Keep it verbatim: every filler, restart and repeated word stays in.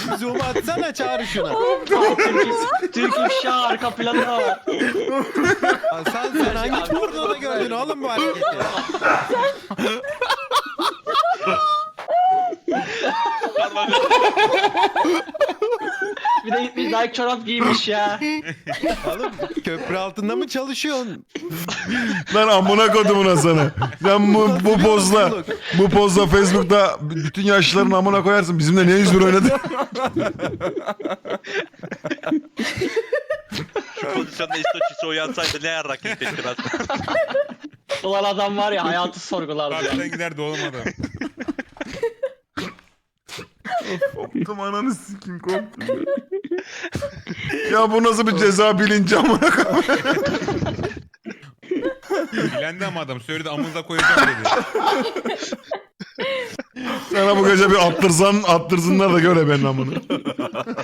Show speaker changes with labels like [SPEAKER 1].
[SPEAKER 1] Zoom atsana çağır şuna.
[SPEAKER 2] Türk, Türk ifşa arka planı da var.
[SPEAKER 1] Sen sen hangi pornoda gördün oğlum bu hareketi?
[SPEAKER 2] Bir de gitmiş Nike çorap giymiş ya.
[SPEAKER 1] Oğlum köprü altında mı çalışıyorsun?
[SPEAKER 3] Lan amına kodumuna sana. Sen bu, bu pozla bu pozla Facebook'ta bütün yaşlıların amına koyarsın. Bizimle ne yüz bir oynadın?
[SPEAKER 4] Şu pozisyonda İstoçisi uyansaydı ne yarrak yiyecekti ben.
[SPEAKER 2] Ulan adam var ya hayatı sorgulardı ya.
[SPEAKER 5] Karşıdan giderdi oğlum adam.
[SPEAKER 3] Koptum ananı sikim koptum. Ya bu nasıl bir ceza bilinci amına koyayım.
[SPEAKER 5] Bilendi ama adam söyledi amınıza koyacağım dedi.
[SPEAKER 3] Sana bu gece bir attırsan attırsınlar da göre benim amını.